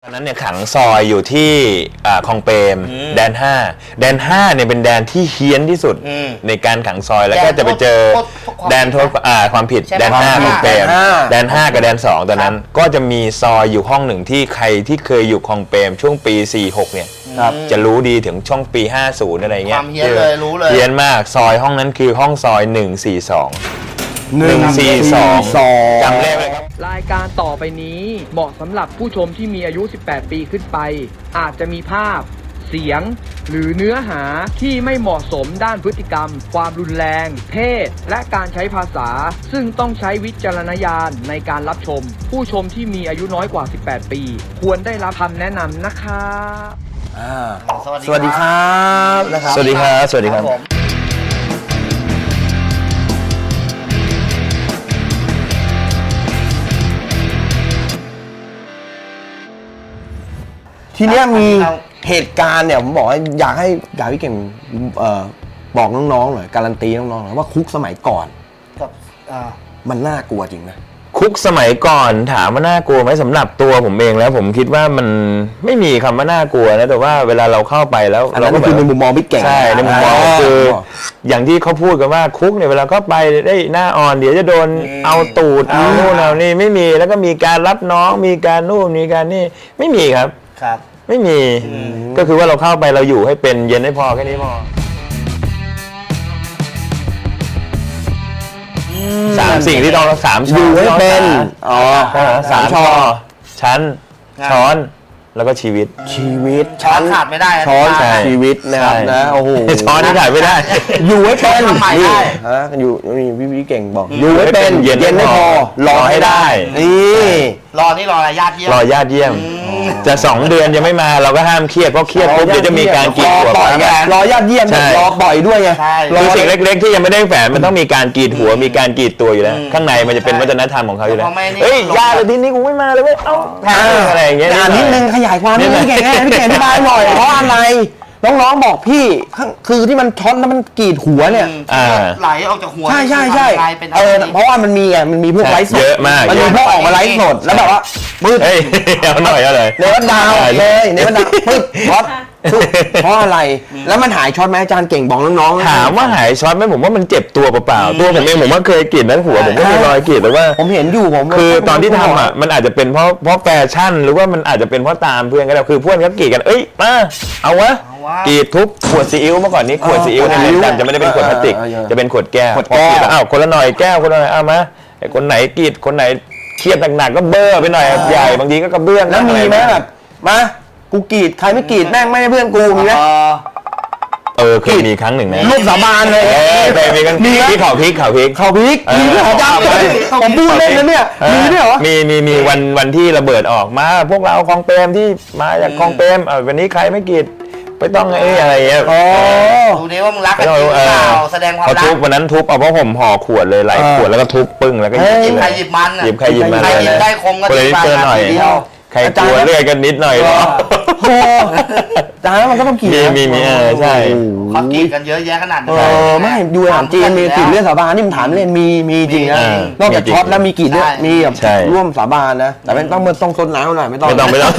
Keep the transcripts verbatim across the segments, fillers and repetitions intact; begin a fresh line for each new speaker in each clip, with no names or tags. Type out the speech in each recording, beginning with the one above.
นั้นเนี่ยขังซอยอยู่ที่คลองเปรมแดนห้าแดนห้าเนี่ยเป็นแดนที่เฮี้ยนที่สุดในการขังซอยแล้วก็จะไปเจอแดนโทษความผิดแดนห้าคลองเปรมแดนห้ากับแดนสองตอนนั้นก็จะมีซอยอยู่ห้องหนึ่งที่ใครที่เคยอยู่คลองเปรมช่วงปีสี่หกเนี่ยจะรู้ดีถึงช่วงปีห้าสิบอะไรเงี้ย
ความเฮี้ยนเลยรู้เลย
เฮี้ยนมากซอยห้องนั้นคือห้องซอยหนึ่งสี่สองหนึ่งสี่สองจำเลขเลยครับ
รายการต่อไปนี้เหมาะสำหรับผู้ชมที่มีอายุสิบแปดปีขึ้นไปอาจจะมีภาพเสียงหรือเนื้อหาที่ไม่เหมาะสมด้านพฤติกรรมความรุนแรงเพศและการใช้ภาษาซึ่งต้องใช้วิจารณญาณในการรับชมผู้ชมที่มีอายุน้อยกว่าสิบแปดปีควรได้รับคำแนะนำนะครับ
สวัสดีครับนะครับ
สวัสดีครับสวัสดีครับ
ทีเนี้ยมีเหตุการณ์เนี่ยผมบอกว่าอยากให้อยากให้พี่เก่งเอ่อบอกน้องๆหน่อยการันตีน้องๆหน่อยว่าคุกสมัยก่อน
กับ
มันน่ากลัวจริงนะ
คุกสมัยก่อนถามว่าน่ากลัวไหมสำหรับตัวผมเองแล้วผมคิดว่ามันไม่มีคำว่าน่ากลัวนะแต่ว่าเวลาเราเข้าไปแล้ว
เราก็คือในมุมมองพี่เก่ง
ใช่ในมุมมองคืออย่างที่เขาพูดกันว่าคุกเนี่ยเวลาเข้าไปได้หน้าอ่อนเดี๋ยวจะโดนเอาตูดเอานู่นเอานี่ไม่มีแล้วก็มีการรับน้องมีการนู่นมีการนี่ไม่มีครับ
ครับ
ไม่มีก็คือว่าเราเข้าไปเราอยู่ให้เป็นเย็นให้พอแค่นี้พอสามสิ่งที่ต้องสาม
อยู่ให้เป็นอ๋อ
สามช้อชั้นช้อนแล้วก็ชีวิต
ชีวิต
ช้อนขาดไม่ได้
ช้อนชีวิตนะครับนะโอ้โห
ช้อนที่ขาดไม่ได้
อยู่ให้เป็นนี่ฮะอยู่นี่พี่พี่เก่งบอกอยู่ให้เป็นเย็นให้พอรอให้ได้นี่
รอนี่รออะไรญาติเยี่ยม
รอญาติเยี่ยมจะสองเดือนยังไม่มาเราก็ห้ามเครียดเพราะเครียดปุ๊บเดี๋ยวจะมีการกรีดหัว
รอญาติเยี่ยมรอปล่อยด้วยไง
คือสิ่งเล็กๆที่ยังไม่ได้แฝงมันต้องมีการกรีดหัวมีการกรีดตัวอยู่แล้วข้างในมันจะเป็นวัฒนธรรมของเขาอยู่แล้วเฮ้ยญาติทีนี้กูไม่มาเลยเว้ยเอ้าอะไรอย่างเงี้ย
นิดนึงขยายความนิดนึงพี่เก่งพี่เก่งอธิบายหน่อยเพราะอะไรน้องๆบอกพี่คือที่มันช็อตแล้วมันกรีดหัวเนี่ย
ไหลออกจากหัว
ใช่ใช่ใช่เออเพราะว่ามันมีไงมันมีพวกไลฟ์สด
เยอะมาก
มันมีพวกออกมาไลฟ์สดแล้วแบบว่ามืด
เฮ้ยเอาหน่อยเอาเลย
เนวัดดาวเลยเนวัดดาวมืดช็อตเพราะอะไรแล้วมันหายช็อตไหมอาจารย์เก่งบอกน้อง
ๆถามว่าหายช็อตไหมผมว่ามันเจ็บตัวเปล่าๆตัวผมเองผมว่าเคยกรีดนั้นหัวผมก็มีรอยกรีดแต่ว่า
ผมเห็นอยู่ผม
คือตอนที่ทำอ่ะมันอาจจะเป็นเพราะเพราะแฟชั่นหรือว่ามันอาจจะเป็นเพราะตามเพื่อนก็ได้คือเพื่อนก็กรีดกันเอ้ยมาเอาวะกรีดทุบขวดซีอิ๊วเมื่อก่อนนี้ขวดซีอิ๊วในเรือนจำจะไม่ได้เป็นขวดพลาสติกจะเป็นขวดแก้วขวดแก้วอ้าวคนละหน่อยแก้วคนละหน่อยเอามาไอ้คนไหนกรีดคนไหนเครียดหนักๆก็เบ้อไปหน่อยใหญ่บางทีก็กระเบื้อง
แล้วมีไหมแบบมากูกรีดใครไม่กรีดแม่งไม่ใช่เพื่อนกูมีไหม
เออเคยมีครั้งหนึ่งนะ
ลูกสาบานเลย
เคยมีกันมีที่เขาพริกเขาพริก
เขาพริกมีด้วยเหรอผมพูดเล่นนะเนี่ยมีด้วยเหรอ
มีมีมีวันวันที่ระเบิดออกมาพวกเราคลองเปรมที่มาจากคลองเปรมวันนี้ใครไม่กรีดไม่ต้องไอ้อะไรเงี้ย
อ๋อ
ดูดิว่ามึงรักกันจริงเปล่าแสดงความรัก
เขาทุบวันนั้นทุบเอาเพราะผมห่อขวดเลยหลายขวดแล้วก็ทุบปึ้งแล้วก็หยิบ
ใครหยิบมัน
หยิบใครหยิบมัน
ใครหยิบได้คมก็
ตีไปหน่อยใครกลัวเลื่อยกันนิดหน่อย
โอ้จานแล้วมันก็ต้องกรีด
มีมีเออใช่
เขากรีดกันเยอะแยะขนาดนี้
เออไม่ดูถามจีนมีกรีดเรื่องสาบานนี่มันถามเล่นมีมีจริงนะนอกจากช็อตแล้วมีกรีดเรื่องมีแบบร่วมสาบานนะแต่ไม่ต้องต้องซดน้ำหน่อยไม่ต้อง
ไม่ต้องไม่ต้อง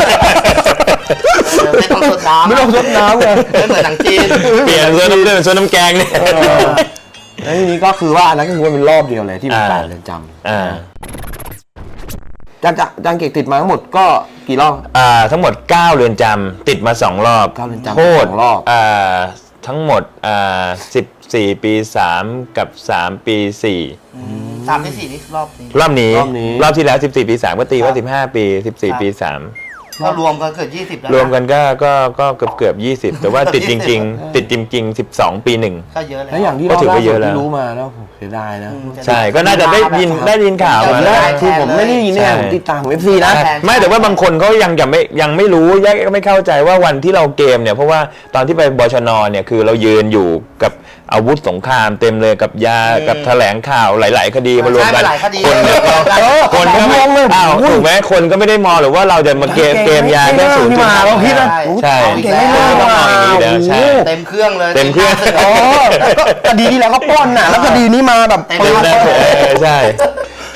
ไม่ต้องซดน้ำ
ไม่ต้องซดน้ำเลย
ไม่เหมือนหนังจีน
เปลี่ยนซดน้ำเลือดซดน้ำแกงนี่
แล้วทีนี้ก็คือว่าอันนั้นก็คือเป็นรอบเดียวเลยที่มันแปดเรือนจำ
อ่า
จางจางเก่งติดมาทั้งหมดก็กี่รอบ
อ่าทั้งหมดเก้าเรือนจำติดมาสองรอบ
เก้าเรือนจำ
โทษอ่าทั้งหมดอ่าสิบสี่ปีสามกับสามปีสี่
สามปีสี่นี่รอบนี้
รอบนี้รอบที่แล้วสิบสี่ปีสามก็ตีว่าสิบห้าปีสิบสี่ปีสาม
ก็รวมกันเกือบยี่สิบแล้ว
รวมกันก็ก็ก็เกือบเกือบยี่สิบแต่ว่าติดจริงๆติดจริงๆสิบสองปีหนึ่ง
ก็เยอะแล้ว
แล้วอย่างที่เราล่าสุดที่รู้มาแล้วเสียดายนะ
ใช่ก็น่าจะได้ยินได้ยินข่าวมาแล้ว
คือผมไม่ได้ยินเนี่ยผมติดตามของ เอฟ ซี นะ
ไม่แต่ว่าบางคนเขายังยังไม่ยังไม่รู้ยังไม่เข้าใจว่าวันที่เราเกมเนี่ยเพราะว่าตอนที่ไปบชนเนี่ยคือเรายืนอยู่กับอาวุธสงครามเต็มเลยกับยากับแถลงข่าวหลายๆคดีมารวมกันคนคนก็ไม่อ้าวถูกไหมคนก็ไม่ได้มองหรือว่าเราจะมาเกมเกมยาแค่ศูนย์จุดห้า
เราคิดนะ
ใช่
ใช่เต็มเครื่องเลย
เต็มเครื่อง
คดีที่แล้วก็ป้อนน่ะแล้วคดีนี้มาแบบ
เต็มเลยใช่ ที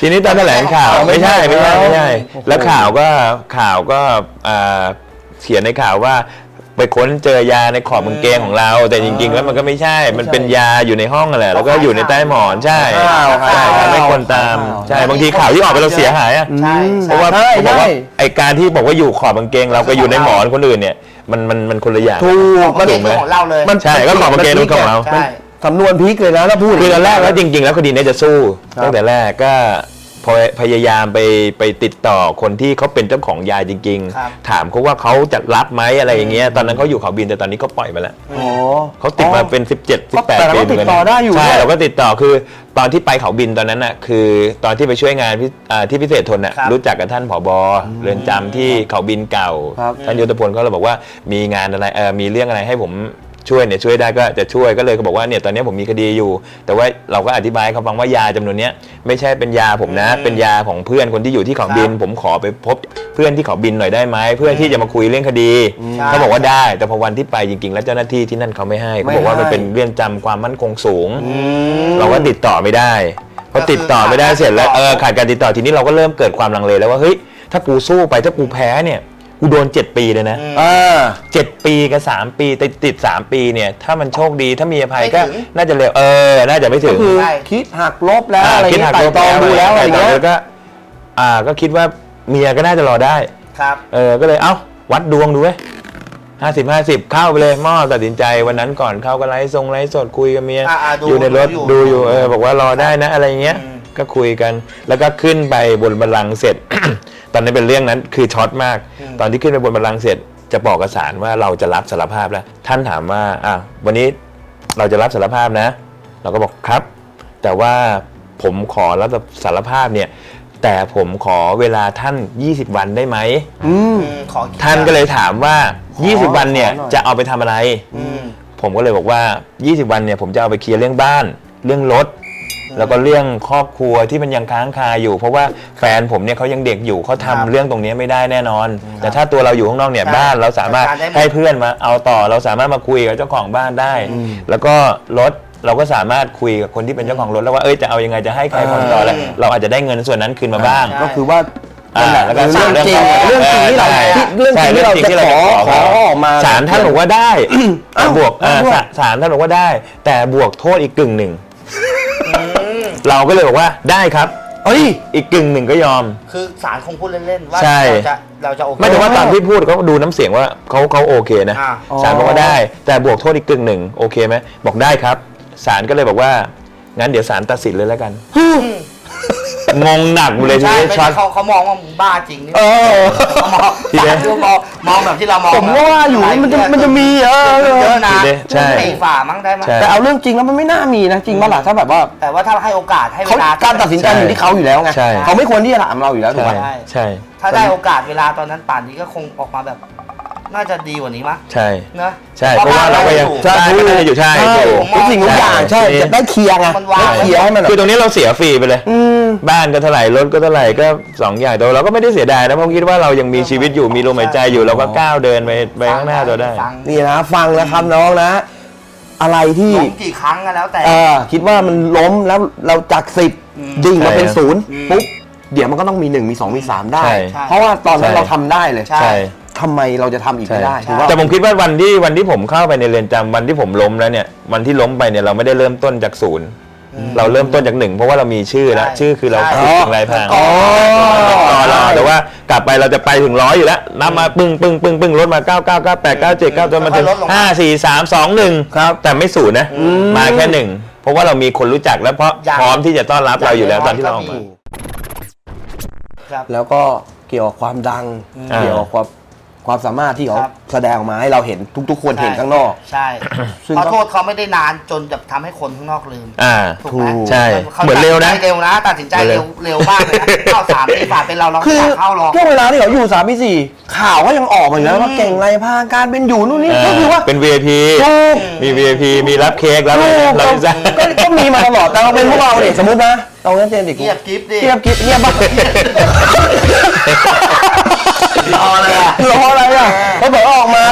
ทีนี้ตอนแถลงข่าวไม่ใช่ไม่ใช่ไม่ใช่
โอ้โห
แล้วข่าวก็ข่าวก็อ่าเขียนในข่าวว่าไปค้นเจอยาในขอบกางเกงของเรา แต่จริงๆแล้วมันก็ไม่ใช่มันเป็นยาอยู่ในห้องนั่นแหละแล้วก็อยู่ในใต้หมอนใช่
ข่าว
ใช่
ข่าว
ไม่ควรตามใช่บางทีข่าวที่ออกไปเราเสียหายอะ
ใช่
เพราะว่า
ใช่
เขาบอกว่า
ใช่
ไอการที่บอกว่าอยู่ขอบกางเกงเราก็อยู่ในหมอนคนอื่นเนี่ยมันมันมันคนละอย่าง
ถูก
มั
มัน น
เป็นของเราเลย
มัน
ใช่ก็ขอบกางเกงเป็นของเรา
ใช่
สำนวนพีคเลยนะถ้าพูด
คือตอนแรกแล้วจริง ๆ แล้วคดีเนี้จะสู้
ครับ
ตั้งแต่แรกก็พอพยายามไปไปติดต่อคนที่เขาเป็นเจ้าของยาจริง
ครับ
ๆ ถามเขาว่าเขาจะรับไหมอะไรอย่างเงี้ยตอนนั้นเขาอยู่เขาบินแต่ตอนนี้เขาปล่อยไปแล้ว
อ๋อ
เขาติดมาเป็นสิบเจ็ด สิบแปด
แต่เรา
ปี
ก็ติดต่อได้อยู่
ใช่
เนี่ย
เราก็ติดต่อคือตอนที่ไปเขาบินตอนนั้นน่ะคือตอนที่ไปช่วยงานพิอ่าที่พิเศษทนน่ะ
ครับ
รู้จักกับท่านผบเรือนจำที่เขาบินเก่า
ครับ
ท่านยุทธพลเขาเลยบอกว่ามีงานอะไรเออมีเรื่องอะไรให้ผมช่วยเนี่ยช่วยได้ก็จะช่วยก็เลยเขาบอกว่าเนี่ยตอนนี้ผมมีคดีอยู่ แต่ว่าเราก็อธิบายให้เขาฟังว่ายาจำนวนเนี้ยไม่ใช่เป็นยาผมนะ
อืม
เป็นยาของเพื่อนคนที่อยู่ที่เขาบิน
ครับ
ผมขอไปพบเพื่อนที่เขาบินหน่อยได้ไหมเพื่อที่จะมาคุยเรื่องคดี
ใช่
เขาบอกว่าได้แต่พอวันที่ไปจริงๆ แล้วเจ้าหน้าที่ที่นั่นเขาไม่ให้เขาบอกว่ามันเป็นเรื่องจำความมั่นคงสูง เราก็ติดต่อไม่ได้พอติดต่อไม่ได้เสร็จแล้วเออขาดการติดต่อทีนี้เราก็เริ่มเกิดความลังเลแล้วว่าเฮ้ยถ้ากูสู้ไปถ้ากูแพ้เนี่ยกูโดนเจ็ดปีเลยนะ
อ่า
เจ็ดปีกับสามปีติดติดสามปีเนี่ยถ้ามันโชคดีถ้ามีอภัยก็
ไม่ถึง
น่าจะเร็วเออน่าจะไม่ถึ
ก็
ง
คือ
ใช่
คิดหักลบแล้ว
อ่า
อะไร
คิด
เงี้
หั
ย
ก
ไต่
ลบ
ตองดูแล้วอะไร
ไต่ต
เงี้ย
แล้วก็อ่าก็คิดว่าเมียก็น่าจะรอได้
ครับ
เออก็เลยเอ้าวัดดวงดูเว้ยห้าสิบห้าสิบเข้าไปเลยหม้อตัดสินใจวันนั้นก่อนเข้าก็ไลฟ์ทรงไลฟ์สดคุยกับเมีย
อ่าอ่าดู
อยู่ในรถ
ดู
ดู
อ
อยู่ ยู่เออบอกว่ารอได้นะอะไรเงี้ย
อืม
ก็คุยกันแล้วก็ขึ้นไปบนบัลลังก์เสร็จ ตอนนี้นเป็นเรื่องนั้นคือช็อตมาก ตอนที่ขึ้นไปบนบัลลังก์เสร็จจะบอกกับศาลว่าเราจะรับสารภาพแล้ว ท่านถามว่าอ่ะวันนี้เราจะรับสารภาพนะ เราก็บอกครับ แต่ว่าผมขอรับสารภาพเนี่ยแต่ผมขอเวลาท่านยี่สิบวันได้ไหม
อืม
อืมขอคิด
ท่านก็เลยถามว่า
ขอ
ยี่สิบ วันเนี่ย
ขอหน่อย
จะเอาไปทำอะไร
อืม
ผมก็เลยบอกว่า ยี่สิบ วันเนี่ยผมจะเอาไปเคลียร์เรื่องบ้าน เรื่องรถ แล้วก็เรื่องครอบครัวที่มันยังค้างคาอยู่ เพราะว่าแฟนผมเนี่ยเขายังเด็กอยู่เขาทำ
ครับ
เรื่องตรงนี้ไม่ได้แน่นอน แต่ถ้าตัวเราอยู่ข้างนอกเนี่ย
ใช่
บ้านเราสามารถ
จัดการได้หมด
ให้เพื่อนมาเอาต่อเราสามารถมาคุยกับเจ้าของบ้านได้ แล้วก็รถเราก็สามารถคุยกับคนที่เป็นเจ้าของรถแล้วว่าเอ้ยจะเอายังไงจะให้ใครผ่อนต่อแล้วเราอาจจะได้เงินส่วนนั้นคืนมาบ้าง
ใช่
ก็คือว่า
อ่าแล้วก็
เรื่องจริง
เรื่อง
เรื่องจริงที่เรา
ใช่
ที่เรื่องจริงที่เรา
ใช่
จะขอขอออกมา
ศาลท่านบอกว่าได้
อ้าว
บวกเอ่อ
ด้วย
ศาศาลท่านบอกว่าได้ แต่บวกโทษอีกกึ่งหนึ่ง
อืม
เราก็เลยบอกว่าได้ครับ
เอ้ย
อีกกึ่งหนึ่งก็ยอม
คือศาลคงพูดเล่นๆว่า
ใช่
เราจะเราจะโอเค
ไม่แต่ว่าตอนที่พูดเขาดูน้ำเสียงว่าเขาเขาโอเคนะ
อ่า
ศาลบอกว่าได้ แต่บวกโทษอีกกึ่งหนึ่งโอเคไหมบอกได้ครับศาลก็เลยบอกว่างั้นเดี๋ยวศาลตัดสินเลยแล้วกัน งงหนักหมดเลยที
ใช่
นี้
ไม่
ช็อ
ใช่
ต
เขาเขามองว่ามึงบ้าจริงนี่
เออ
เขามอง
ทีเดียว
ศาลดูมองมองแบบที่เรามอง
ผมก็ว่าอยู่มันจะมันจะมีเออ
เยอะนะ
ทีเดียวใช่
สี่ฝ่ามั้งได้มั้ย
ใช่
แต่เอาเรื่องจริงแล้วมันไม่น่ามีนะจริงป่ะล่ะถ้าแบบว่า
แต่ว่าถ้าให้โอกาสให้เว
เขา
ลา
การตัดสินใจอยู่ที่เขาอยู่แล้วไง
ใช่
เขาไม่ควรที่จะถามเราอยู่แล้วถูก
ใช่
ไหม
ใช่
ใช่
ถ้าได้โอกาสเวลาตอนนั้นป่านนี้ก็คงออกมาแบบ น่าจะดีกว่านี้มั้ย
ใช่
เนอะ
ใช่เพราะว่าเราก็ยัง
ใช่
ใช่ก็ยังอยู่ใช่
ใช่
ถูก
ทุกสิ่งทุกอย่างใช่จะได้เคลียร์ไง
มันวาง
ได้เคลียร์ให้มันแบบ
คือตรงนี้เราเสียฟรีไปเลย
อืม
บ้านก็เท่าไหร่รถก็เท่าไหร่ก็สองอย่างแต่เราก็ไม่ได้เสียดายนะเพราะคิดว่าเรายังมีชีวิตอยู่มีลมหายใจอยู่เราก็ก้าวเดินไปไปข้างหน้าตัวได้
ฟัง
นี่นะฟังนะครับน้องนะ อะไรที่
ล้มกี่ครั้งก็แล้วแต่
เออคิดว่ามันล้มแล้วเราจากสิบ
อืม
ดิ่งมาเป็น
ใช่
ศูนย์
อืม
ปุ๊บเดี๋ยวมันก็ต้องมีหนึ่งมีสองมีสามได้
ใช่
เพราะว่าตอนนั้น
ใช่
เราทำได้เลย
ใช่
ใช่
ทำไมเราจะทำอีกไม่ได้
ใช่
ถูกป่ะ
แต่ผมคิดว่าวันที่วันที่ผมเข้าไปในเรือนจำวันที่ผมล้มแล้วเนี่ยวันที่ล้มไปเนี่ยเราไม่ได้เริ่มต้นจากศูนย์เราเริ่มต้นจากหนึ่งเพราะว่าเรามีชื่อแล้ว
ใช่
ชื่อคือเรา
ใช่
ฝึกถึงลายพราง
อ๋อ
ต่อเราแต่ว่ากลับไปเราจะไปถึงร้อยอยู่แล้วนับมาปึ้งปึ้งปึ้งปึ้งลดมาเก้าเก้าเก้าแปดเก้าเจ็ดเก้าจนมาถึง
ค่อยๆลดลงมา
ห้าสี่สามสองหนึ่งครับแต่ไม่ศูนย์นะมาแค่หนึ่งเพราะว่าเรามีคนรู้จักแล้วเพราะ
อย่าง
พร้อมที่จะต้อนรับเราอยู่แล้วตอนที่เราออกมา
ครับ
แล้วก็เกี่ยวกับความดัง
อ่า
เกี่ยวกับความความสามารถที่เขา
ครับ
แสดงออกมาให้เราเห็นทุก ๆ คนเห็นข้างนอก
ใช่
ซึ่ง
ขอโทษเขาไม่ได้นานจนจะทำให้คนข้างนอกลืม
อ่า
ถูกไหม
ถูก
ใช่
ขา
เหมือนเร็วนะ
ตัดสิใจเร็วนะตัดสินใจเร็วเร็วมากเลยนะเข้าสามปีฝ่าเป็นเราเรา
คือ
อยากเข้าหรอก
ช่วงเวลาที่เขาอยู่สามปีสี่ข่าวก็ยังออกมาอยู่แล้วว่าเก่งไรพาการเป็นอยู่นู่นนี่ก็คือว่า
เป็น วี ไอ พี
ถูก
มี วี ไอ พี มีรับเค้กรับ
ถูก
รับพิซซ่า
ก็ก็มีมาตลอดแต่เราเป็นพวกเราเนี่ยสมมตินะเราเล่นเจนดิ
เงียบกิ๊บดิ
เงียบกิ๊บเงียบบ้าง
รอเลยอะ
รออะไรอ่ะเขาบอกว่าออกมาแล้วยังไม่มี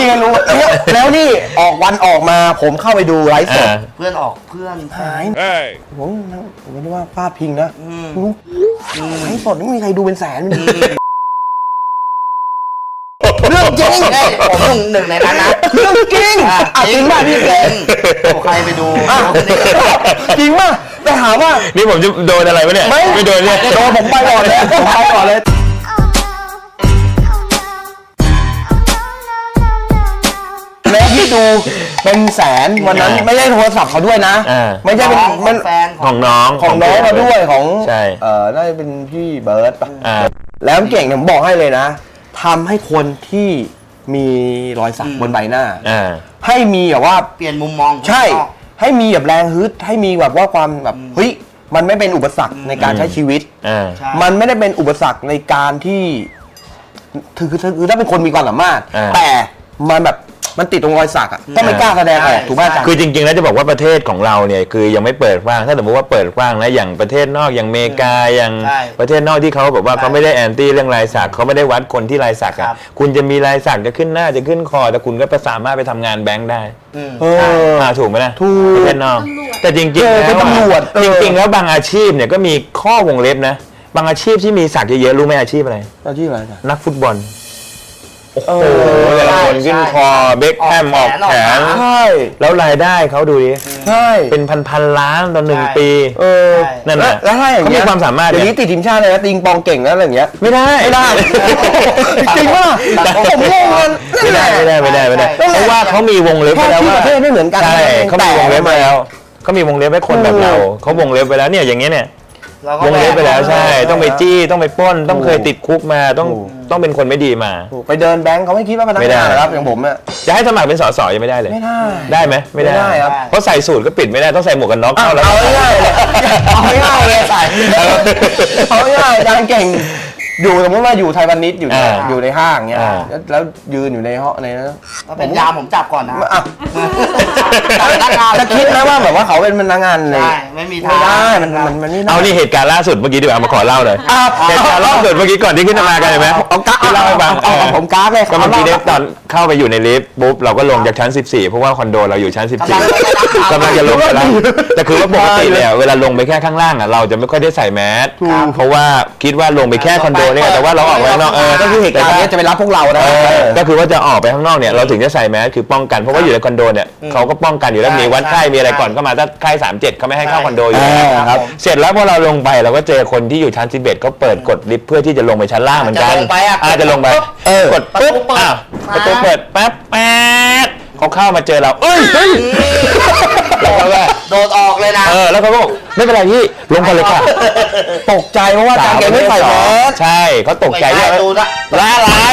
มีกันรู้แล้วแล้วนี่ออกวันออกมาผมเข้าไปดูไลฟ์สด
อ่า
เพื่อนออกเพื่อนแฟ
หาย
น
ผมผมไม่ได้ว่าพลาดพิงนะ
อืม
ไลฟ์สดไม่มีใครดูเป็นแสนเรื่องจริง
เฮ้ยผมหนึ่งในนั้นนะ
เรื่องจริงอ่ะจริงป่ะพี่
จ
เก๋
ริงโอ้ใครไปดู
อ่ะจริงป่ะแต่ถามว่า
นี่ผมจะโดนอะไรวะเนี่ย
ไม่
ไม่โดนเนี่ย
โดนผมไปก่อนเลยผมไปก่อนเลย แล้วที่ดูเป็นแสนวันนั้น
อ่า
ไม่ใช่โทรศัพท์เขาด้วยนะ
อ่า
ไม่ใช่เป็น
ของ
มัน
แฟน
ของน้อง
ของน้องมาด้วยของ
ใช่
เอ่อน่าจะเป็นพี่เบิร์ตปะ
อ่า
แล้วเก่งเนี่ยผมบอกให้เลยนะทำให้คนที่มีรอยสักบนใบหน้า
อ่า
ให้มีแบบว่า
เปลี่ยนมุมมอง
ใช่ให้มีแบบแรงฮึดให้มีแบบว่าความแบบเฮ้ยมันไม่เป็นอุปสรรคในการใช้ชีวิต
อ่า
ใช่
มันไม่ได้เป็นอุปสรรคในการที่คือคือคือถ้าเป็นคนมีความสามารถ
อ่า
แต่มันแบบมันติดตรงรอยสักอ่ะก็ไม่กล้าแสดงออกถูกไหมอาจารย์
คือจริงๆแล้วจะบอกว่าประเทศของเราเนี่ยคือยังไม่เปิดกว้างถ้าสมมติว่าเปิดกว้างนะอย่างประเทศนอกอย่างอเมริกาอย่าง
ใช่
ประเทศนอกที่เขาแบบว่า
ใช่
เขาไม่ได้แอนตี้เรื่องลายสักเขาไม่ได้วัดคนที่ลายสัก
ครั
อ่ะ
บ
คุณจะมีลายสักจะขึ้นหน้าจะขึ้นคอแต่คุณก็สามารถไปทำงานแบงค์ได้
อืม
เออ
อ่าถูกไหมนะ
ถูก
ประเทศนอกแต่จริงๆ
เออ
แล้ว
เป็นตำรวจเออ
จริงๆแล้วบางอาชีพเนี่ยก็มีข้อวงเล็บนะบางอาชีพที่มีสักเยอะๆรู้ไหมอาชีพอะไร
อาชีพอะไรอาจารย์
นักฟุตบอล โอ้โห
เออ
แต่ละคนขึ้นคอเบคแฮมออกแขน
ใช่
แล้วรายได้เขาดูดิ
ใช่
เป็นพันพันๆล้านต่อหนึ่ง
ใช่
ปี
เออ
ใช่
นั่น
แล้ว
น่ะ
แล้วถ้าอย่าง
เขา
เงี้
มี
ย
ความสามารถ
เดี๋ยว
เนี่
นี้
ย
ติดทีมชาติเลยนะติงปองเก่งนะอะไรอย่างเงี้ย
ไม่ได้
ไม่ได้ จริงป่ะผมงงมัน
ไม่ได้ไม่ได้ไม่ได้ไม่ได้
ใช่
เพราะว่าเขามีวงเล็บ
แค่
ไว้แล้ว
ที่
ว่า
ประเทศไม่เหมือนกัน
ใช่เขามีวงเล็บไว้แล้วเขามีวงเล็บให้คนแบบเรา
เออ
เขาวงเล็บไว้แล้วเนี่ยอย่างเงี้ยเนี่ย
เราก็
วงเล็บไปแล้วใช่ ต้องไปจี้ต้องไปปล้น ต้อง
ถูก
เคยติดคุกมาต้อง
ถูก
ต้องเป็นคนไม่ดีมา
ไปเดินแบงค์เขาไม่คิดว่าพนัก
ไม่ได้
งานนะครับอย่างผมเนี่ย
จะให้สมัครเป็นสสยังไม่ได้เลย
ไม่ได้
ได้ไหมไม่ได้
ไม่ได้ครับ
เพราะใส่สูตรก็ปิดไม่ได้ต้องใส่หมวกกันน็อก
เอา
เข้าแล้ว
เอาง่ายๆเลยเอาง่ายๆเลยใส่เอาง่ายๆอาจารย์เก่งอยู่สมมติว่าอยู่ไทยวันนิดอยู่ใน
อ่า
อยู่ในห้างเงี้ย
อ่า
แล้วแล้วยืนอยู่ในห้องในนั้น
ถ้าเป็นยามผมจับก่อนนะ
อ่ะ
จับพนักงาน
จะคิดไหมว่าแบบว่าเขาเป็นพนักงานเลย
ใช่ไม่มีทาง
ไม่ได้มันมันมันไม่ได้
เอานี่เหตุการณ์ล่าสุดเมื่อกี้ดีกว่าเอามาขอเล่าเลย
อ่ะ
เหตุการณ์ล่าสุดเมื่อกี้ก่อนที่ขึ้นมากันเห็นไหม
เอากราฟ
ที่เล่าให้ฟัง
เอาเอาผมกราฟเลย
ก็เมื่อกี้เนี่ย
เอา
ตอนเข้าไปอยู่ในลิฟต์ปุ๊บเราก็ลงจากชั้นสิบสี่เพราะว่าคอนโดเราอยู่ชั้นสิบสี่กำลังจะลงไปแล้วแต่คือว่าปกติเนี่ยเวลาลงไปแค่ข้างล่างอ่ะเราจะไม่ค่อยได้ใส่แมสเพราะว่าคิดว่าลงไปแค่คอนโดเนี่ยแต่ว่าเราออกไปข้างนอกเออ
ก็คือเหตุการณ์เนี้ยจะไปรับพวกเรานะ
เออก็คือว่าจะออกไปข้างนอกเนี่ยเราถึงจะใส่แมสคือป้องกันเพราะว่าอยู่ในคอนโดเนี่ยเขาก็ป้องกันอยู่แล้วมีวัดไข้มีอะไรก่อนเข้ามาถ้าไข้สามเจ็ดเขาไม่ให้เข้าคอนโดอยู่แล้ว
อ่าครับ
เสร็จแล้วพอเราลงไปเราก็เจอคนที่อยู่ชั้นสิบเอ็ดเขาเปิดกดลิฟต์เพื่อที่จะลงไปชั้นล่างเหมือนกัน
จะลงไปอ่ะ
อาจะลงไป
เออ
กดปุ๊บ
ประตูเปิด
อ้าวประตูเปิดแป๊บแป๊ดเขาเข้ามาเจอเราเอ้ยเฮ้ยแล้วเขาก็
โดดออกเลยนะ
เออแล้วเขาก็บอกไม่เป็นไรพี่ลงกันเลยค่ะ
ตกใจเพราะว่าอาจารย์เก่งไม่ใส่แมส
ใช่เขาตกใจ
ไม่
ด้วย
ได้ตูนะ
ล่าลาย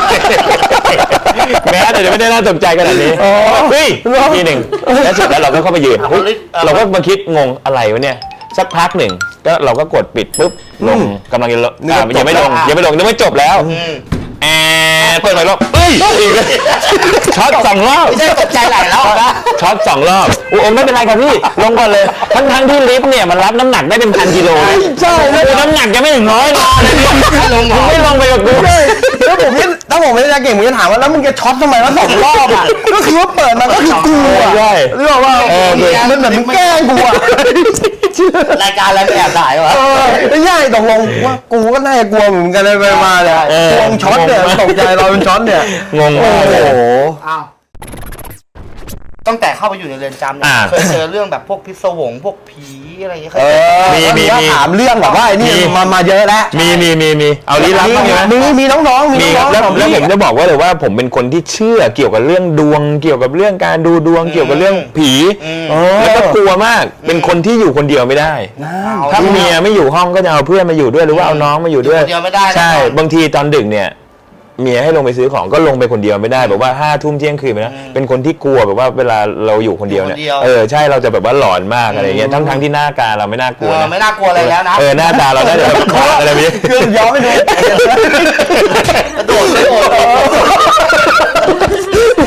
แม้แต่ไม่ได้น่าตกใจขนาดนี้เฮ้ยทีหนึ่งแล้วเสร็จแล้วเราก็เข้าไปยืนเฮ้ยเราก็มาคิดงงอะไรวะเนี่ยสักพักหนึ่งก็เราก็กดปิดปุ๊บลงกำลังจะลงอ่ะยังไม่ลงยังไม่ลงยังไม่จบแล้ว
อืม
แอนเปิดไปรอบเฮ้ยอีกช็อตสองรอบ
ไม่ใช่ตกใจไหลแล้วนะ
ช็อตสองรอบโอ้ไม่เป็นไรครับพี่ลงก่อนเลยทั้งทั้งที่ลิฟต์เนี่ยมันรับน้ำหนักได้เป็นพันกิโลเลย
ใช่แล้ว
น้ำหนักยังไม่ถึงร้อยเลย
ไม่ลงหรอ
ไม่ลงไปกับกู
แล้วผมเนี่ยถ้าผมไม่ได้อาจารย์เก่งผมจะถามว่าแล้วมึงจะช็อตทำไมวะสองรอบอ่ะก็คือว่าเปิดมาก็คือกลัว
ใช่
เรื่องว่า
เออ
มันเหมือนมึงแกล้งกูอ่ะ
รายการอะไรไม่แอบถ่ายวะ
เออไม่ใช่ตกลงว่ากูก็น่าจะกลัวเหมือนกันเลยไปมาเนี่ย
เออ
กลัวมึงช็อตเนี่ยตกใจเราเป็นช็อตเนี่ย
งง
โอ้
มากเลย
โห
อ้าวตั้งแต่เข้าไปอยู่ในเรือนจำเนี่ย
อ่า
เคยเจอเรื่องแบบพวกพิศวงพวกผีอะไรอย่างเงี้ยเคย
เอ
เจอ
อ
มีมี
ถ้า
มี
ถามเรื่องแบบว่าไอ้นี่
มี
มามาเยอะแล้ว
มีมีมีมีเอาลี้ลับบ้างไหม
มีมีน้องๆมี
มี
น้องๆ
แล้ว
ของ
แล้ว
พี่
ผมจะบอกว่าเลยว่าผมเป็นคนที่เชื่อเกี่ยวกับเรื่องดวง เกี่ยวกับเรื่องการดูดวงเกี่ยวกับเรื่องผี
เออ
แล้วก็กลัวมากเป็นคนที่อยู่คนเดียวไม่ได้
เอา
ถ้าเมียไม่อยู่ห้องก็จะเอาเพื่อนมาอยู่ด้วยหรือว่าเอาน้องมาอยู่ด้วย
อยู่คนเดียวไม่ได้นะ
ใช่บางทีตอนดึกเนี่ยเมียให้ลงไปซื้อของก็ลงไปคนเดียวไม่ได้แบบว่าห้าทุ่มเที่ยงคืนไปนะเป็นคนที่กลัวแบบว่าเวลาเราอยู่คนเดียวเนี่ย
อยู่คนเดียว
เออใช่เราจะแบบว่าหลอนมากอะไรเงี้ยทั้งทั้งๆที่หน้าตาเราไม่น่ากลัว
เออ
นะ
ไม่น่ากลัวอะไรแล้วนะ
เออหน้าตาเราได้แต่แบบขาดอะไรไม่รู้
คือย้อนไปดู
กระโดดกระโดด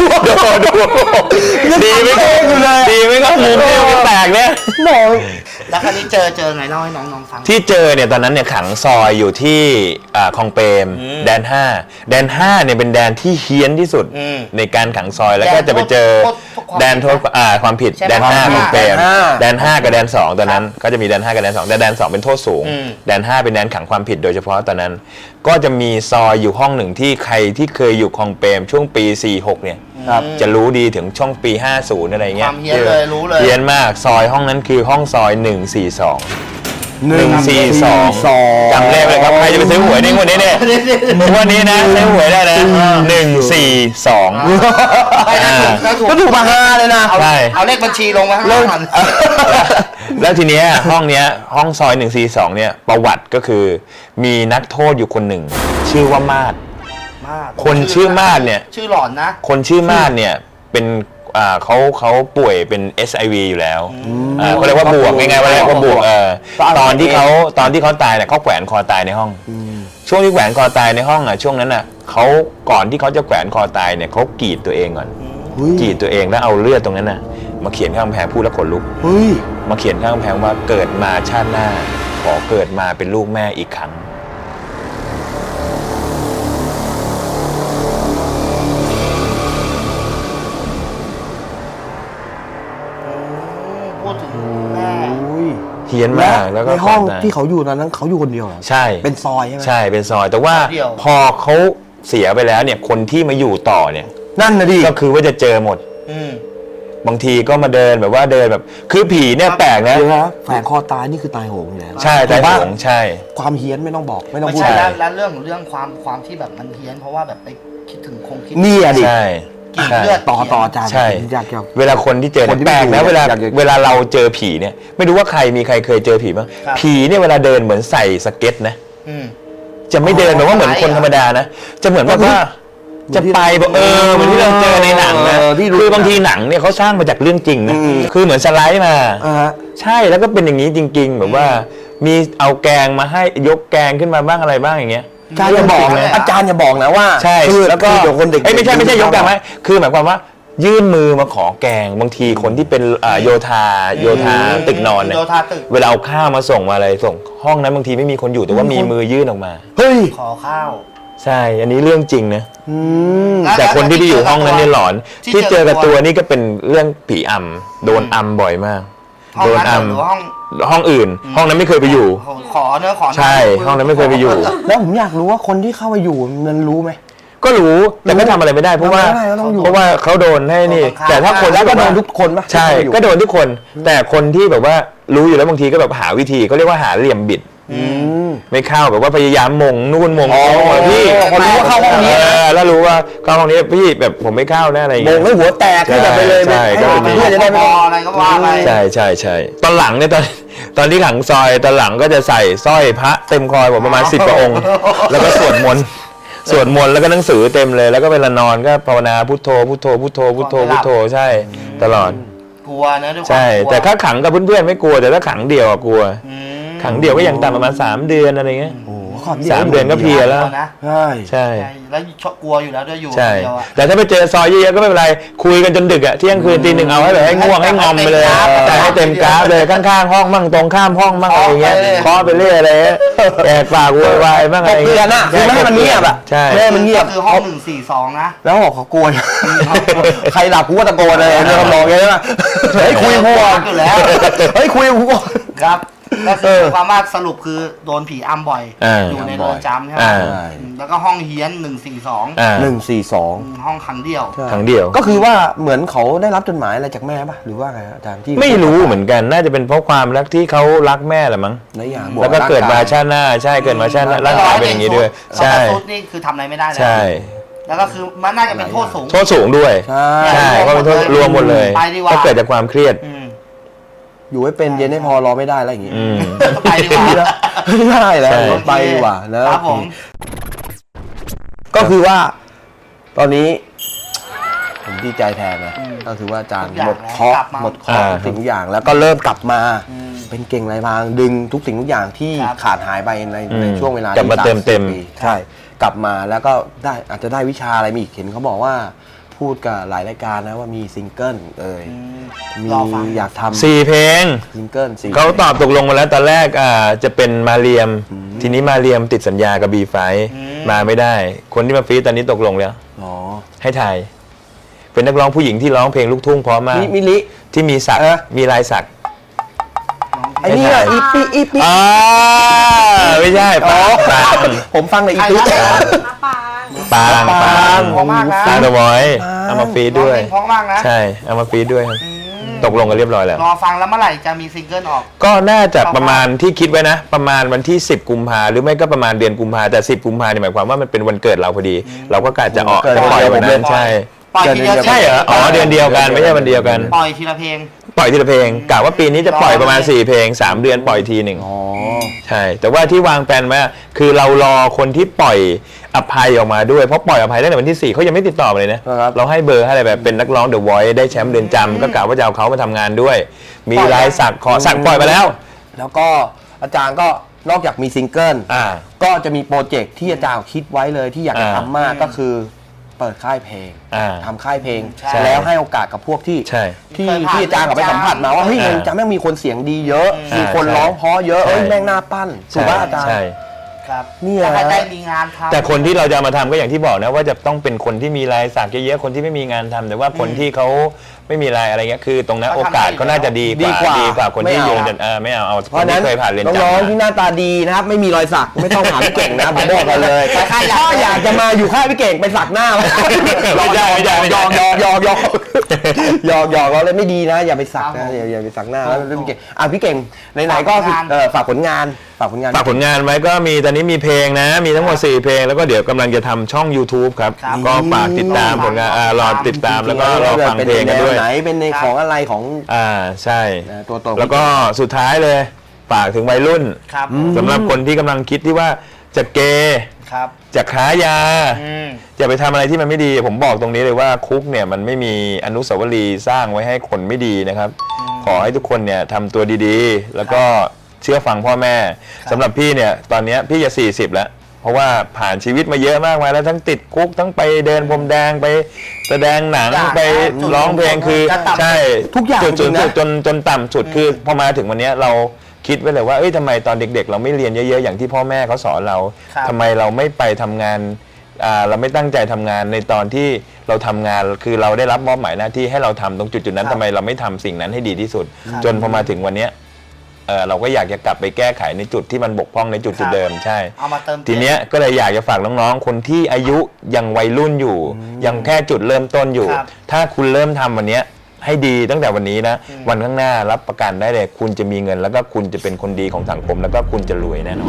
ดูดูดีไหมก็ดีไหมก็มุมเนี่ยมันแตกเนี่ย
บอก
แล้วคราวนี้เจอเจอไงเล่าให้น้องๆฟัง
ที่เจอเนี่ยตอนนั้นเนี่ยขังซอยอยู่ที่อ่าคลองเปรม
อืม
แดนห้าแดนห้าเนี่ยเป็นแดนที่เฮี้ยนที่สุด
อืม
ในการขังซอยแล้วก็
แดน
จะไปเจอ
โทษโทษความ
แดนโทษอ่าความผิด
ใช่ไหม
แดนห้า
ความ
คลองเปรม
แดนห้า
แดนห้ากับแดนสองตอนนั้นก็จะมีแดนห้ากับแดนสองแต่แดนสองเป็นโทษสูง
อืม
แดนห้าเป็นแดนขังความผิดโดยเฉพาะตอนนั้น ก็จะมีซอยอยู่ห้องหนึ่งที่ใครที่เคยอยู่คลองเปรมช่วงปีสี่หกเนี่ย
ครับ
จะรู้ดีถึงช่วงปีห้าสิบอะไร
ค
เงี้
วาย มเฮี้ยนเลยรู้เลย
เฮี้ยนมากซอยห้องนั้นคือห้องซอยหนึ่งสี่สอง
หนึ่ง
สี่สอง
สอง
จำเลขเลยครับใครจะไปซื้อหวยในงวดนี้เนี่ยงวดนี้นะซื้อหวยได้นะหนึ่งสี่สอง
ไม่ได้ถูกได้ถูก
ก็ถูกมาห้าเลยนะ
เอา
ใช่
เอาเลขบัญชีลงมาข้าง
เริ่
ล่าง
ม
ก่อน
แล้วทีเนี้ยห้องเนี้ยห้องซอยหนึ่งสี่สองเนี่ยประวัติก็คือมีนักโทษอยู่คนหนึ่ง ชื่อว่ามาด
มาก
คนชื่อมาดเนี่ย
ชื่อหลอนนะ
คนชื่อมาดเนี่ยเป็นอ่าเขาเขาป่วยเป็น เอส ไอ วี อยู่แล้วอ่าเขาเรียกว่าบวกง่ายๆว่าเรียกว่าบวกเออตอนที่เขาตอนที่เขาตายเนี่ยเขาแขวนคอตายในห้อง ช่วงที่แขวนคอตายในห้องอ่ะช่วงนั้นอ่ะเขาก่อนที่เขาจะแขวนคอตายเนี่ยเขากรีดตัวเองก่อน
เฮ้ย
กรีดตัวเองแล้วเอาเลือดตรงนั้นน่ะมาเขียนข้างกำแพงพูดแล้วขนลุก
เฮ้ย
มาเขียนข้างกำแพงว่าเกิดมาชาติหน้า ขอเกิดมาเป็นลูกแม่อีกครั้ง
พูดถึงแม่
เฮี้ยนมากแล้วก็
ในห้อง
ก่ตาย
ที่เขาอยู่ตอนนั้นเขาอยู่คนเดียวเหรอ
ใช่
เป็นซอยใช่ไหม
ใช่เป็นซอย แต่ว่าพอเขาเสียไปแล้วเนี่ยคนที่มาอยู่ต่อเนี่ย
นั่นนะดิ
ก็คือว่าจะเจอหมด
อืม
บางทีก็มาเดินแบบว่าเดินแบบคือผีเนี่ยแปลกนะ
เดี๋ยวนะแฝงคอตายนี่คือตายโหงอยู่แล้ว
ใช่แต่
ถูกปะ
หงใช่
ความเฮี้ยนไม่ต้องบอกไม่ต้อง
ไม่
พูด
ใช่
ใช่
แล้วแล้วเรื่องเรื่องความความที่แบบมันเฮี้ยนเพราะว่าแบบไปคิดถึงคงคิด
นี่อะดิ
ใช่
กรีด
ใช่
เลือด
ต่อต่ออาจารย์
ใช่
อยากอยาก
เวลาคนที่เจอ
คนที่
แปลก
ไม่
นะ
อยู่
เวลา
อยากอยาก
เวลาเราเจอผีเนี่ยไม่รู้ว่าใครมีใครเคยเจอผีบ้าง
ครับ
ผีเนี่ยเวลาเดินเหมือนใส่สเก็ตนะ
อืม
จะไม่เดินแบบว่าเหมือนคนธรรมดานะ จะเหมือนแบบว่าจะไปแบบเออเหมือนที่เราเจอในหนังนะ
เออที่รู้
คือบางทีหนังเนี่ยเขาสร้างมาจากเรื่องจริงนะ
อืม
คือเหมือนสไลด์มา
อ่าฮะ
ใช่แล้วก็เป็นอย่างนี้จริง ๆ แบบว่ามีเอาแกงมาให้ยกแกงขึ้นมาบ้างอะไรบ้างอย่างเงี้ย
อาจารย์อย่าบอกนะอาจารย์อย่าบอกนะว่า
ใช่
คือ
แล้วก็
คือเดี๋ยวคนเด็ก
เอ้ยไม่ใช่ไม่ใช่ยกแกงไหมคือหมายความว่ายื่นมือมาขอแกงบางทีคนที่เป็นอ่าโยธาโยธาตึกนอนเนี่ย
โยธาตึก
เวลาเอาข้าวมาส่งมาอะไรส่ง ห้องนั้นบางทีไม่มีคนอยู่แต่ว่ามีมือยื่นออกมา
เฮ้ย
ขอข้าว
ใช่ อันนี้เรื่องจริงนะ
อืม
แล้ว
แต่คนที่ไปอยู่ห้องนั้นเนี่ยหลอน
ที่
ที่
เจ
เจ
อ
อ
กั
กั
บบ ตั
ตัว วนี่ก็เป็นเรื่องผีอำโดนอำบ่อยมาก
ห้อง
โดน
นั้น
อ
หรือว่าห้อง
ำห้องอื่น ห้องนั้นไม่เคยไปอยู่
ขอเนื้อะขอ
ใช่ห้องนั้นไม่เคยไปอยู่
แล้วผมอยากรู้ว่าคนที่เข้ามาอยู่มันรู้ไหม
ก็รู้แต่ไม่ทำอะไรไม่ได้เพราะว่า
ทำอะไรไม่ได้ก็ต้องอยู่
เพราะว่าเขาโดนให้นี่ แต่ถ้าคน
แล้ว
ที่
ก็
แบบ
โด
ว่าน
ทุกคนปะ
ใช่
ที่เข้ามาอยู่
ก็โดนทุกคน แต่คนที่แบบว่ารู้อยู่แล้วบางทีก็แบบหาวิธีเขาเรียกว่าหาเหลี่ยมบิด
อืม
ไม่เข้าแบบว่าพยายามมงนู่นมง
อ๋อ
นี่พี่
พอรู้ว่าเข้าห้องนี้
เออแล้วรู้ว่าเข้าห้องนี้พี่แบบผมไม่เข้านะอะไรอย่าง
โบ
เงี้
ง
ย
ให้หัวแตกให้แบบไปเลย
ใช่
ให้
ใช่
เพื่อนจะได้ไม่ต้อง
อะไรก็ว่าไป
ใช่ใช่ใช่ตอนหลังเนี่ยตอนตอนที่ขังซอยตอนหลังก็จะใส่สร้อยพระเต็มคอผมประมาณสิบกว่าองค์ แล้วก็สวดมนต์สวดมนต์แล้วก็หนังสือเต็มเลยแล้วก็เวลานอนก็ภาวนาพุทโธพุทโธพุทโธพุทโธพุทโธใช่ตลอด
กลัวนะด้วยความ
ใช่
กลัว
แต่ถ้าขังกับเพื่อนๆไม่กลัวแต่ถ้าขังเดี่ยวอะกลัว
อืม
ขังเดี่ยวก็ยังต่ำประมาณสามเดือนอะไรเงี้ย
โอ้โหขอบ
สามเดือนก็เพลียแล้ว
กนะ
ใช่
ใช่
ใช่แล้วชอบกลัวอยู่แล้วด้วยอยู่
ใช่
คนเดียวอะ
แต่ถ้าไปเจอซอยเยอะๆก็ไม่เป็นไรคุยกันจนดึกอะเที่ยงคืนตีหนึ่งเอาให้แบบให้ง่วงให้งอมไปเลยแต่ให้เต็มกราฟเลยข้างๆห้องมั่งตรงข้ามห้องมั่งอะไรเงี้ยเคาะไปเรื่อยอะไรเงี้ยแอกปากโวยวายบ้าง
ต
อะไร
บเตือนอะคือไม่ให้มันเงียบอะ
ใช่
ไม่ให้มันเงียบ
ก็คือห้องหนึ่งสี่สองนะ
แล้วบอกเขากลัวใครหลับกูก็ตะโกนเลยเรื่องมองไงใช่ไหมเฮ้ยคุยกับกูก่อน
อยู่แล้ว
เฮ้ยคุยกับกูก่อน
ครับก็คือความว่าสรุปคือโดนผีอำบ่อย
อ่า
อยู่ในเรือนจำใช่ไหม
อ่า
อืมแล้วก็ห้องเฮี้ยนหนึ่งสี่สอง
อ่า
หนึ่งสี่สอง
ห้องขังเดี่ยว
ครั้งเดียว
ก็คือว่าเหมือนเขาได้รับจดหมายอะไรจากแม่ป่ะหรือว่าไงอาจารย์ที่
ไม่รู้เหมือนกันน่าจะเป็นเพราะความรักที่เขารักแม่แหละมั้ง
หลายอย่าง
แล้วก็เกิดมาชาติหน้าใช่เกิดมาชาติหน้าร่างกายเป็นอย่างนี้ด้วย ใช่
ใช่ซุดนี่คือทำอะไรไม่ได้แล้ว
ใช่
แล้วก็คือมันน่าจะเป็นโทษสูง
โทษสูงด้วย
ใช่
ใช่ก็เป็นโทษรวมหมดเลย
ไปดีกว่า
ก็เกิดจากความเครียด
อืม
อยู่ให้เป็นเย็นให้พอรอไม่ได้อะไรอย่างงี้
อืม
ไปดีกว่า
ไม่ได้แล้ว
ใช่
ไปดีกว่าแล้ว
ครับผม
ก็คือว่า ตอนนี้ ผมดีใจแทนนะก็คือว่าอาจารย์หมดเคราะห์หมดเคราะห์ทุกสิ่งทุกอย่างแล้วก็เริ่มกลับมา เป็นเก่งลายพรางดึงทุกสิ่งทุกอย่างที่
ครับ
ขาดหายไปใน
อืม
ในช่วงเวลาก
ลับมา
ที่
เติมเต็ม
สาสิบปีใช่ กลับมาแล้วก็ได้อาจจะได้วิชาอะไรมาอีกเห็นเขาบอกว่าพูดกับหลายรายการนะว่ามีซิงเกิลเอ่ย
อืม
มี
รอฟัง
อยากทำ
สี่เพลง
ซิงเกิลสี่
เขาตอบตกลงมาแล้วตอนแรกอ่าจะเป็นมาเรียม ทีนี้มาเรียมติดสัญญากับบีไฟมาไม่ได้ คนที่มาฟีดตอนนี้ตกลงแล้ว
อ๋อ
ให้ถ่ายเป็นนักร้องผู้หญิงที่ร้องเพลงลูกทุ่งเพราะมาก
มิมิลิ
ที่มีสัก
เออ
มีลายสัก
ไอ้นี่อะอีปีอีปี
อ่าไม่ใช่ปางปาง
ผมฟังเลยอี
ใคร
ปี
นะ
ปาง
ปาง
ปาง
เพราะมากนะ
ปางเดอะวอยเอามาฟีดด้วย
ร้องเพลงเพราะมากนะ
ใช่เอามาฟีดด้วยครับ
อืม
ตกลงกันเรียบร้อยแล้ว
รอฟังแล้วเมื่อไหร่จะมีซิงเกิลออก
ก็น่าจะประมาณที่คิดไว้นะ ประมาณวันที่สิบกุมภาหรือไม่ก็ประมาณเดือนกุมภาแต่สิบกุมภาเนี่ยหมายความว่ามันเป็นวันเกิดเราพอดี เราก็กะจะออก
เกิด
จะปล่อยวัน
เดื
นั้
อน
นใช่
ปล่อยทีเดียว
ใช่เหรออ๋อเดือนเดียวกันไม่ใช่วันเดียวกัน
ปล่อยทีละเพลง
ปล่อยทีละเพลงกะว่าปีนี้จะปล่อยประมาณสี่เพลงสามเดือนปล่อยทีหนึ่ง
อ๋อ
ใช่ แต่ว่าที่วางแผนไว้อะคือเรารอคนที่ปล่อยอภัยออกมาด้วย เพราะปล่อยอภัยตั้งแต่วันที่สี่เขายังไม่ติดต่อมาเลยนะ
ครับ
เราให้เบอร์ให้อะไรแบบเป็นนักร้องเดอะวอยซ์ได้แชมป์เดือนจำก็กะว่าจะเอาเขามาทำงานด้วย มีลายสักขอสักปล่อยไปแล้ว
แล้วก็อาจารย์ก็นอกจากมีซิงเกิล
อ่า
ก็จะมีโปรเจกต์ที่อาจารย์คิดไว้เลยที่อยากจะ
อ่า
ทำมากก็คือเปิดค่ายเพลง
อ่า
ทำค่ายเพลง
ใช่
แล้วให้โอกาสกับพวกที่
ใช่
ที่
เคยผ่าน
ที่อาจารย์เขาไปสัมผัสมาว่าเฮ้ย
อ่า
มันจะแม่งมีคนเสียงดีเยอะ
อืม
มีคน
ใช่
ร้องเพราะเยอะเอ้ย
ใช่
แม่งน่าปั้นถูกป่ะอาจารย์
ใช่
ครับ
เนี่ย
ถ้าใครได้มีงานทำ
แต่คนที่เราจะเอามาทำก็อย่างที่บอกนะว่าจะต้องเป็นคนที่มีลายสักเยอะๆคนที่ไม่มีงานทำแต่ว่าคนที่เขาไม่มีลายอะไรเงี้ยคือ ตรงนั้น
เขา
โอ
ทำ
กาส
ได้
เขาน่าจะดีก
ดี
ว่าก
ว่า
ดีกว่าคนที่
ไม่เอา
โยนจนเออไม่เอาเอา
เพ
คน
ราะฉะนั้
ที่
น
เคยผ่านเรียนจำ
น้องๆ
มา
ที่หน้าตาดีนะครับไม่มีรอยสักไม่ต้องหาพี่เก่งนะผมบอกกันเลย
ใครๆอยาก
ถ้าอยากจะมาอยู่ค่ายพี่เก่งไปสักหน้าไว้
ไม่ใช่ไม่ใช่ไม่
ย
ใช่
อกยอกยอกยอกยอกยอกเราเลยไม่ดีนะ อย่าไปสัก
ครั
นะ
บผม
อย่าอย่าไปสักหน้า
ถู
แล้ว
ก
พี่เก่งอ่ะพี่เก่งไหนๆก็
ฝากผลงาน
เออฝากผลงานฝากผลงาน
ฝากผลงานไว้ก็มีตอนนี้มีเพลงนะ มีทั้งหมดสี่เพลงแล้วก็เดี๋ยวกำลังจะทำช่อง YouTube ครับ
ครับ
ก็ฝากติดตามผลงานอ่ารอติดตามแล้วก็รอฟังเพลงกันด้วย
เป็นแนวไหนเป็นในของอะไรของ
อ่าใช่
นะตัวตน
แล้วก็สุดท้ายเลยฝากถึงวัยรุ่น
ครับ
สำหรับคนที่กำลังคิดที่ว่าจะเกย์
ครับ
จะค้ายา
อืม
อย่าไปทำอะไรที่มันไม่ดี ผมบอกตรงนี้เลยว่าคุกเนี่ยมันไม่มีอนุสาวรีย์สร้างไว้ให้คนไม่ดีนะครับ ขอให้ทุกคนเนี่ยทำตัวดีๆ แล้วก็เชื่อฟังพ่อแม่สำหรับพี่เนี่ยตอนเนี้ยพี่จะสี่สิบแล้ว เพราะว่าผ่านชีวิตมาเยอะมากมายแล้วทั้งติดคุกทั้งไปเดินพรมแดงไปแสดงหนัง
ทุกอย่าง
ไปร้องเพลงคือ
จะต่ำ
ใช่
ทุกอย่าง
จุด
จริ
สู
ง
ง
นะ
สุดจนจนต่ำสุดคือพอมาถึงวันเนี้ยเราคิดไว้เลยว่าเอ้ยทำไมตอนเด็กๆ เราไม่เรียนเยอะๆอย่างที่พ่อแม่เขาสอนเรา
ครับ
ทำไมเราไม่ไปทำงานอ่าเราไม่ตั้งใจทำงานในตอนที่เราทำงานคือเราได้รับมอบหมายหน้าที่ให้เราทำตรงจุดๆนั้น
ครับ
ทำไมเราไม่ทำสิ่งนั้นให้ดีที่สุด
ครับ
จนพอมาถึงวันเนี้ยเอ่อเราก็อยากจะกลับไปแก้ไขในจุดที่มันบกพร่องในจุด
ครับ
ๆเดิมใช่
เอามาเติมต็ม
ทีเนี้ยก็เลยอยากจะฝากน้องๆ คนที่อายุยังวัยรุ่นอยู่ ยังแค่จุดเริ่มต้นอยู่
ครับ
ถ้าคุณเริ่มทำวันเนี้ยให้ดีตั้งแต่วันนี้นะ
อืม
วันข้างหน้ารับประกันได้เลย คุณจะมีเงิน แล้วก็คุณจะเป็นคนดีของสังคม แล้วก็คุณจะรวยแน่นอน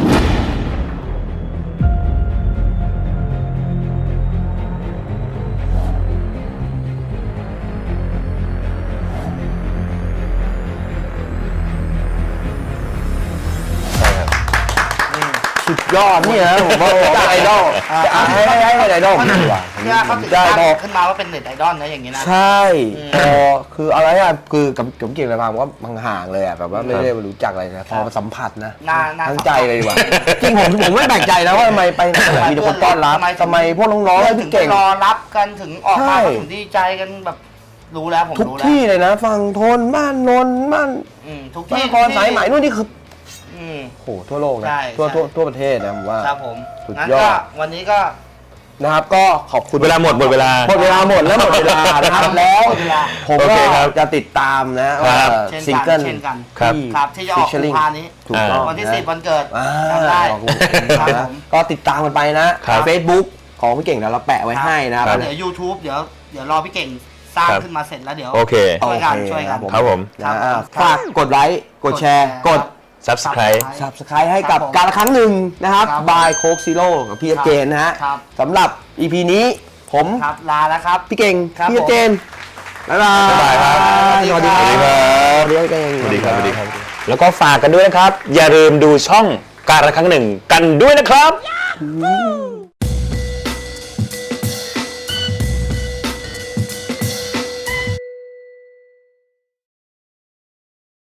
ใช่ครับ
สุดยอดเนี่ยนะผมว่าจากไอดอลจะให้ให้ให้เป็นไอดอลผมดีกว่า
เนี่ยเขาถึง
ได้
ตั้ง
พอ
ขึ้นมาว่าเป็นเน็ตไอดอลนะอย่างนี้นะ
ใช่
อืม
พอคืออะไรอ่ะคือกับกับเก่งอะไรมาผมว่าห่างๆเลยอ่ะแบบว่าไม่ได้รู้จักอะไรนะพอมาสัมผัสนะ
น่าน่า
ทั้งใจเลยดีกว่าจริงผมผมไม่แปลกใจนะว่าทำไมไปไหนมีแต่คนต้อนรับทำไมพวกน้องๆให้
ถึ
พี่
งไป
เก่ง
รอรับกันถึงออก
ใช่
มาก็ถึงดีใจกันแบบรู้แล้วผม
ทุก
รู้แล้ว
ที่เลยนะฝั่งทนบ้านนนท์บ้าน
อืมทุก
บ้า
ที่
นครสายไหมนู่นนี่คือ
อืม
โหทั่วโลกนะ
ใช่
ทั่ว
ใช่
ทั่วทั่วประเทศนะผมว่า
ครับผม
สุด
งั้น
ยอ
ก็
ด
วันนี้ก็
นะครับก็ขอบคุณ
เวลาหมดหมดเวลา
หมดเวลาหมดแล้วหมดเวลานะครับแล้ว
หมดเวลา
ผม
โอ
ก็
เคครับ
จะติดตามนะ
ครั
ว่า
บ
เช่น
ซิง
กัน
เกิล
เช่นกัน
ครับ
ครับที่จะออกกุมภานี้
ถูกต้อง
วันที่
ะ
สิบวันเกิด
อ่า
จำได้
ขอบคุณ
ครับ
นะ
ผม
ก็ติดตามกันไปนะครับ Facebook ของพี่เก่งเดี๋ยวเราแปะไว้ให้นะครับ
แล้วเดี๋ยว YouTube เดี๋ยวเดี๋ยวรอพี่เก่งสร้าง
ครับ
ขึ้นมาเสร็จแล้วเดี๋ยว
โอเค
ช่วยกัน
โอเค
ช่วยกัน
ครับผม
ครับ
นะอ่า
ครับ
ฝากกดไลค์กดแชร์ กด
Subscribe
Subscribe ให้กับ
ครับผม
การละครั้งหนึ่งนะครับ
ครับ
บายโคกซีโร่กับพี่เจนนะฮะ
ครับ
สำหรับ อี พี นี้ผม
ครับลาแล้วครับ
พี่เก่ง
ครับ
พี่เจนบ๊ายบาย
บ๊ายบายครับ
สวัสดีค
สวัสดีครั
รับ
บ
สวัสดีครับ
สวัสดีครับสวัสดีครับ แล้วก็ฝากกันด้วยนะครับ อย่าลืมดูช่องการละครั้งหนึ่งกันด้วยนะครับ